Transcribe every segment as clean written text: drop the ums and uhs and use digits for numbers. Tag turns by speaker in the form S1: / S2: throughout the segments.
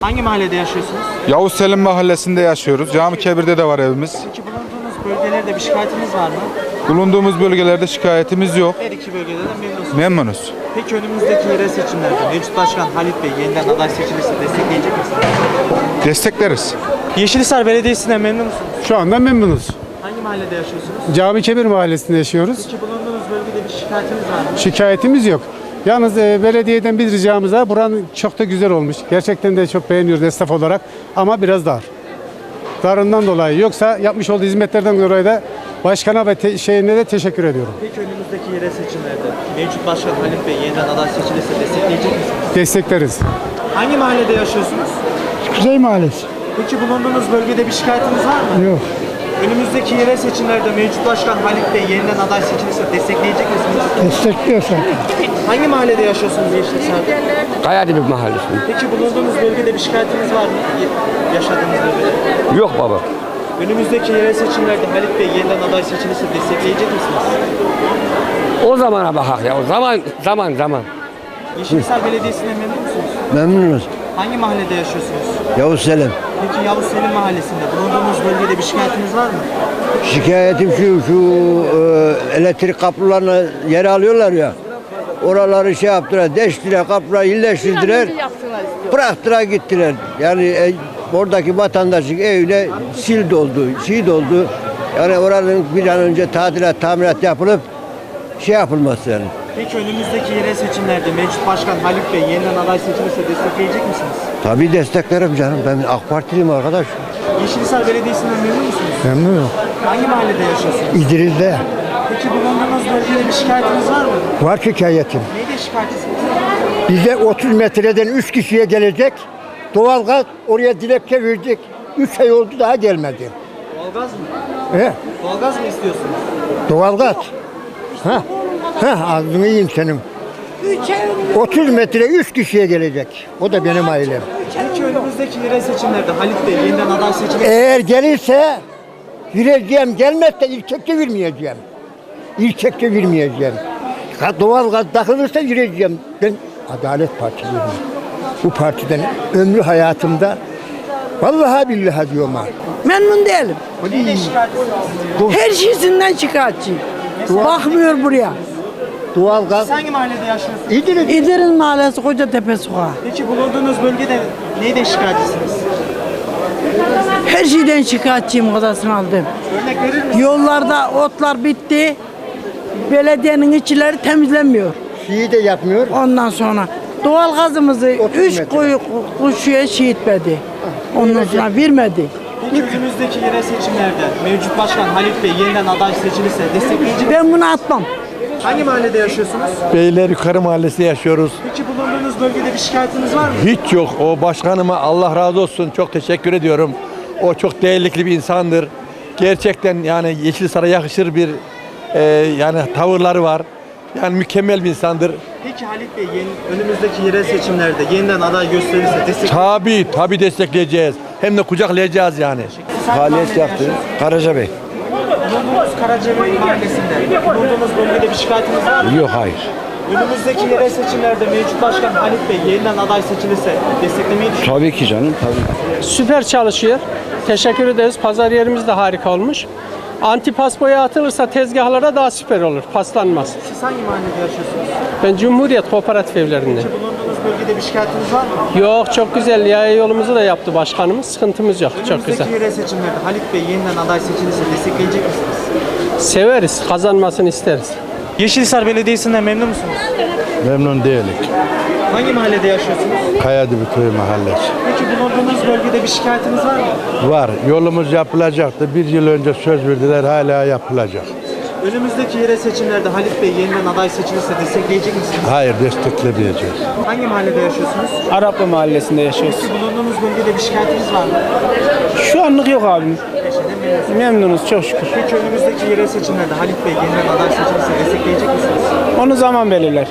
S1: Hangi mahallede yaşıyorsunuz?
S2: Yavuz Selim Mahallesi'nde yaşıyoruz. Cami Kebir'de de var evimiz.
S1: Peki bulunduğunuz bölgelerde bir şikayetiniz var mı?
S2: Bulunduğumuz bölgelerde şikayetimiz yok.
S1: Her iki bölgede de memnunsunuz.
S2: Memnunuz.
S1: Peki önümüzdeki yerel seçimlerde mevcut başkan Halit Bey yeniden aday seçilirse destekleyecek misiniz?
S2: Destekleriz.
S1: Yeşilhisar Belediyesi'nden memnun musunuz?
S3: Şu anda memnunuz.
S1: Hangi mahallede yaşıyorsunuz?
S3: Cami Kebir Mahallesi'nde yaşıyoruz.
S1: Peki bulunduğunuz bölgede bir şikayetiniz var mı?
S3: Şikayetimiz yok. Yalnız belediyeden bir ricamız var. Buranın çok da güzel olmuş. Gerçekten de çok beğeniyoruz esnaf olarak. Ama biraz dar. Darından dolayı. Yoksa yapmış olduğu hizmetlerden dolayı da başkana ve şeyine de teşekkür ediyorum.
S1: Peki önümüzdeki yerel seçimlerde mevcut başkan Halit Bey yeniden aday seçilirse destekleyecek misiniz?
S3: Destekleriz.
S1: Hangi mahallede yaşıyorsunuz?
S4: Kuzey Mahallesi.
S1: Peki bulunduğunuz bölgede bir şikayetiniz var mı?
S4: Yok.
S1: Önümüzdeki yerel seçimlerde mevcut başkan Halit Bey yeniden aday seçilirse destekleyecek misiniz?
S4: Destekliyor zaten.
S1: Hangi mahallede yaşıyorsunuz Yeşilhisar'da?
S5: Kayadibi Mahallesi.
S1: Peki bulunduğunuz bölgede bir şikayetiniz var mı? Yaşadığınız bölgede.
S5: Yok baba.
S1: Önümüzdeki yerel seçimlerde Halit Bey yeniden aday seçilirse destekleyecek misiniz?
S5: O zamana bakak ya. O zaman.
S1: Yeşilhisar Belediyesi'nden memnun musunuz?
S6: Memnunuz.
S1: Hangi mahallede yaşıyorsunuz?
S6: Yavuz Selim.
S1: Peki Yavuz Selim Mahallesi'nde bulunduğunuz bölgede bir şikayetiniz var mı?
S6: Şikayetim şu elektrik kablolarını yere alıyorlar ya. Oraları şey yaptılar, deştiler, kapıları iyileştirdiler. Bıraktılar gittiler. Yani oradaki vatandaşın evine sil doldu, şey doldu. Yani oranın bir an önce tamirat yapılıp şey yapılması yani.
S1: Peki önümüzdeki yerel seçimlerde mevcut başkan Halit Bey yeniden aday seçilirse destekleyecek misiniz?
S6: Tabii desteklerim canım. Ben AK Partiliyim arkadaş.
S1: Yeşilhisar Belediyesi'nden memnun musunuz?
S4: Memnunum.
S1: Hangi mahallede yaşıyorsunuz?
S4: İdril'de
S1: Peki bulunduğunuz bölgede bir şikayetiniz var mı?
S4: var şikayetim.
S1: Neydi şikayetiniz?
S4: Bize 30 metreden 3 kişiye gelecek. Doğalgaz oraya dilekçe verdik. 3 ay oldu daha gelmedi.
S1: Doğalgaz mı?
S4: He,
S1: Doğalgaz mı istiyorsunuz?
S4: doğalgaz. Ağzını yiyeyim senin. 30 metre 3 kişiye gelecek. O da benim ailem.
S1: Peki önümüzdeki yerel seçimlerde Halit Bey yeniden aday seçilirse
S4: Eğer gelirse gireceğim, gelmezse ilçekte vermeyeceğim. İlçekte vermeyeceğim. Doğalgaz takılırsa gireceğim. Ben Adalet Partiliyim. Bu partiden ömrü hayatımda vallahi billahi diyorum ha.
S7: Memnun değilim.
S1: neydi şikayetiniz?
S7: Her şeysinden şikayetçiyim. Bakmıyor buraya.
S4: Doğalgaz
S1: Siz hangi mahallede yaşıyorsunuz?
S4: İdris.
S7: İdris Mahallesi Kocatepe Sokağı.
S1: Peki bulunduğunuz bölgede neyden şikayetçisiniz?
S7: Her şeyden şikayetçiyim odasını aldım.
S1: Örnek verir misiniz?
S7: Yollarda otlar bitti. Belediyenin içleri temizlenmiyor.
S4: Şeyi de yapmıyor.
S7: Ondan sonra doğalgazımızı
S4: 30
S7: 3
S4: metre.
S7: kuşuya etmedi. Ondan sonra vermedi.
S1: Peki önümüzdeki yerel seçimlerde mevcut başkan Halit Bey yeniden aday seçilirse destekleyecek misiniz?
S7: Ben bunu atmam.
S1: Hangi mahallede yaşıyorsunuz?
S8: Beyler Yukarı Mahallesi'nde yaşıyoruz.
S1: Peki bulunduğunuz bölgede bir şikayetiniz var mı?
S8: Hiç yok. O başkanıma Allah razı olsun. Çok teşekkür ediyorum. O çok değerli bir insandır. Gerçekten yani Yeşilhisar'a yakışır bir yani tavırları var. Yani mükemmel bir insandır.
S1: Peki Halit Bey önümüzdeki yerel seçimlerde yeniden aday gösterirse destekleyecek
S8: Tabii destekleyeceğiz. Hem de kucaklayacağız yani.
S6: Faaliyet yaptı. Karaca Bey.
S1: Bulunduğunuz Karacabey Mahallesi'nde bulunduğunuz bölgede bir şikayetiniz var mı?
S8: Yok hayır.
S1: Önümüzdeki yerel seçimlerde mevcut başkan Halit Bey yeniden aday seçilirse desteklemeyi düşünüyor
S6: Tabii ki canım. Tabii.
S9: Süper çalışıyor. Teşekkür ederiz. Pazar yerimiz de harika olmuş. Antipas boya atılırsa tezgahlara daha süper olur. Paslanmaz.
S1: Siz hangi mahallede yaşıyorsunuz?
S9: Ben Cumhuriyet Kooperatif Evlerinde.
S1: Bulunduğunuz bölgede bir şikayetiniz var mı?
S9: Yok çok güzel. Yaya yolumuzu da yaptı başkanımız. Sıkıntımız yok. Çok güzel.
S1: Önümüzdeki yerel seçimlerde Halit Bey yeniden aday seçilirse destekleyecek misiniz?
S9: Severiz. Kazanmasını isteriz.
S1: Yeşilhisar Belediyesi'nden memnun musunuz?
S2: Memnun değilik.
S1: Hangi mahallede yaşıyorsunuz?
S2: Kayadibi Köy Mahallesi.
S1: Peki bulunduğunuz bölgede bir şikayetiniz var mı?
S2: Var. Yolumuz yapılacaktı. Bir yıl önce söz verdiler. Hala yapılacak.
S1: Önümüzdeki yerel seçimlerde Halit Bey yeniden aday seçilirse destekleyecek misiniz?
S2: Hayır, desteklemeyeceğiz.
S1: Hangi mahallede yaşıyorsunuz?
S9: Araplı Mahallesi'nde yaşıyoruz.
S1: Peki bulunduğunuz bölgede bir şikayetiniz var mı?
S9: Şu anlık yok abim. Memnunuz çok şükür.
S1: Peki önümüzdeki yerel seçimlerde Halit Bey yeniden aday seçilirse destekleyecek misiniz?
S9: Onu zaman belirler.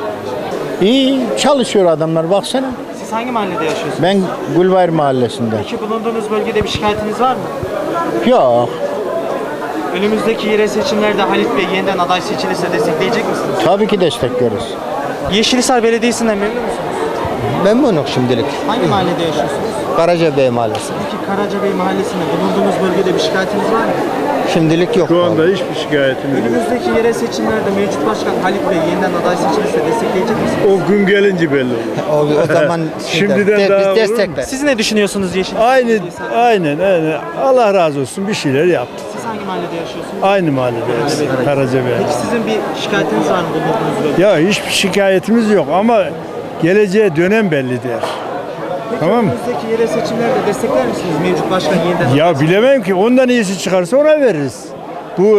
S4: İyi çalışıyor adamlar baksana.
S1: Siz hangi mahallede yaşıyorsunuz?
S4: Ben Gülbayır Mahallesi'nde.
S1: Peki bulunduğunuz bölgede bir şikayetiniz var mı?
S4: Yok.
S1: Önümüzdeki yerel seçimlerde Halit Bey yeniden aday seçilirse destekleyecek misiniz?
S4: Tabii ki destekliyoruz.
S1: Yeşilhisar Belediyesi'nden memnun musunuz?
S10: Memnunum şimdilik.
S1: Hangi mahallede yaşıyorsunuz?
S10: Karacabey Mahallesi.
S1: Peki Karacabey Mahallesi'nde bulunduğunuz bölgede bir şikayetiniz var mı?
S10: Şimdilik yok.
S2: Şu anda hiçbir şikayetim yok.
S1: Önümüzdeki yerel seçimlerde mevcut başkan Halit Bey yeniden aday seçilirse destekleyecek misiniz?
S2: O gün gelince belli olur.
S10: O zaman
S2: Şimdiden daha olur mu?
S10: biz destekler.
S1: Siz ne düşünüyorsunuz Yeşil?
S2: Aynen. Allah razı olsun bir şeyler yaptı.
S1: Siz hangi mahallede yaşıyorsunuz?
S2: Aynı mahallede Karacabey.
S1: Peki sizin bir şikayetiniz var mı bulunduğunuz bölgede?
S2: Ya hiçbir şikayetimiz yok ama geleceğe dönem belli der. Tamam mı?
S1: Önümüzdeki yerel seçimlerde destekler misiniz mevcut başkan yeniden?
S2: Ya bilemem ki ondan iyisi çıkarsa ona veririz. Bu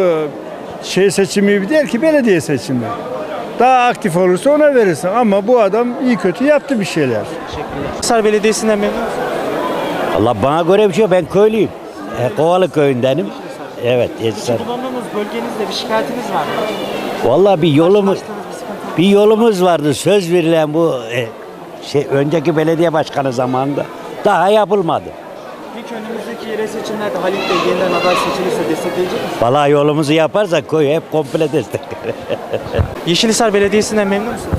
S2: seçimi değil ki belediye seçimi. Daha aktif olursa ona verirsin ama bu adam iyi kötü yaptı bir şeyler.
S1: Hisar Belediyesi'nden memnun musunuz?
S11: Allah bana göre bir şey yok. Ben köylüyüm. Kovalı köyündenim. Evet, Yeşilsar.
S1: Bulunduğunuz bölgenizde bir şikayetiniz var mı?
S11: Vallahi bir
S1: Başladığınız bir sıkıntı.
S11: bir yolumuz vardı. Söz verilen bu önceki belediye başkanı zamanında daha yapılmadı.
S1: Peki önümüzdeki yerel seçimlerde Halit Bey yeniden aday seçilirse destekleyecek misiniz?
S11: Vallahi yolumuzu yaparsak köy hep komple destekler.
S1: Yeşilhisar Belediyesi'nden memnun musunuz?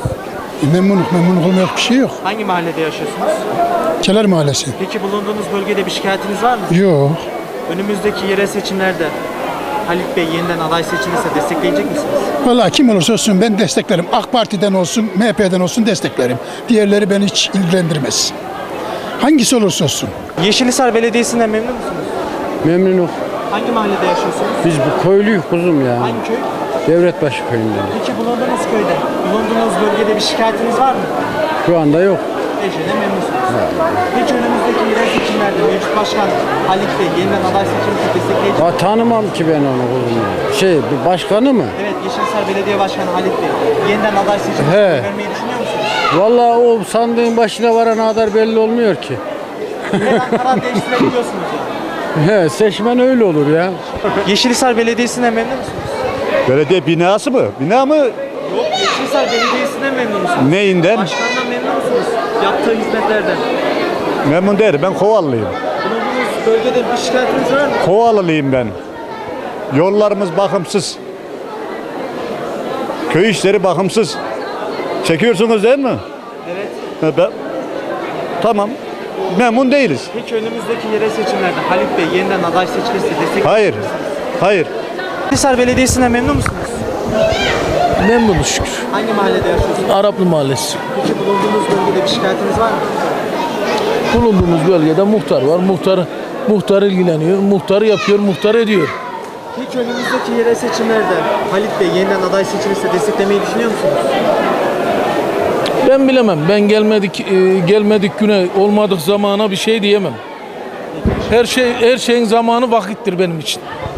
S3: Memnun olmayacak bir şey yok.
S1: Hangi mahallede yaşıyorsunuz?
S3: Keler Mahallesi.
S1: Peki bulunduğunuz bölgede bir şikayetiniz var mı?
S3: Yok.
S1: Önümüzdeki yerel seçimlerde Halit Bey yeniden aday seçilirse destekleyecek misiniz?
S3: Vallahi kim olursa olsun ben desteklerim. AK Parti'den olsun, MHP'den olsun desteklerim. Diğerleri beni hiç ilgilendirmez. Hangisi olursa olsun.
S1: Yeşilhisar Belediyesi'nden memnun musunuz?
S3: Memnunum.
S1: Hangi mahallede yaşıyorsunuz?
S3: Biz bu köylüyüz kuzum ya.
S1: Hangi köy?
S3: Devletbaşı köyünden.
S1: Peki bulunduğunuz köyde, bulunduğunuz bölgede bir şikayetiniz var mı?
S3: Şu anda yok.
S1: Eşeğine memnunsunuz. Peki önümüzdeki yerel seçimlerde mevcut başkan Halit Bey yeniden aday seçilirse destekleyecek misiniz?
S3: Tanımam ki ben onu kuzum ya. Bir başkanı mı?
S1: Evet, Yeşilhisar Belediye Başkanı Halit Bey yeniden aday seçilirse
S3: He.
S1: vermeyi düşünüyor musunuz?
S3: Vallahi o sandığın başına varana kadar belli olmuyor ki.
S1: Her an karar değiştirebiliyorsunuz yani.
S3: Seçmen öyle olur ya.
S1: Yeşilhisar Belediyesi'nden memnun musunuz?
S2: Belediye binası mı? Bina mı?
S1: Yok, Yeşilhisar Belediyesi'nden memnun musunuz?
S2: Neyinden?
S1: Başkandan memnun musunuz? Yaptığı hizmetlerden.
S2: Memnun değilim. Ben Kovalılıyım.
S1: Bulunduğunuz bölgede bir şikayetiniz var mı?
S2: Kovalılıyım ben. Yollarımız bakımsız. Köy işleri bakımsız. Çekiyorsunuz değil mi?
S1: Evet.
S2: Tamam. Memnun değiliz.
S1: Peki önümüzdeki yerel seçimlerde Halit Bey yeniden aday seçilirse destekleyecek
S2: Hayır.
S1: misiniz?
S2: Hayır.
S1: Yeşilhisar Belediyesi'nden memnun musunuz?
S3: Memnunuz şükür.
S1: Hangi mahallede yaşıyorsunuz?
S3: Araplı Mahallesi.
S1: Peki bulunduğunuz bölgede bir şikayetiniz var mı?
S3: Bulunduğumuz bölgede muhtar var. Muhtar ilgileniyor. Muhtar yapıyor, muhtar ediyor.
S1: Peki önümüzdeki yerel seçimlerde Halit Bey yeniden aday seçilirse desteklemeyi düşünüyor musunuz?
S3: Ben bilemem. Ben gelmedik güne, olmadık zamana bir şey diyemem. Her şeyin zamanı vakittir benim için.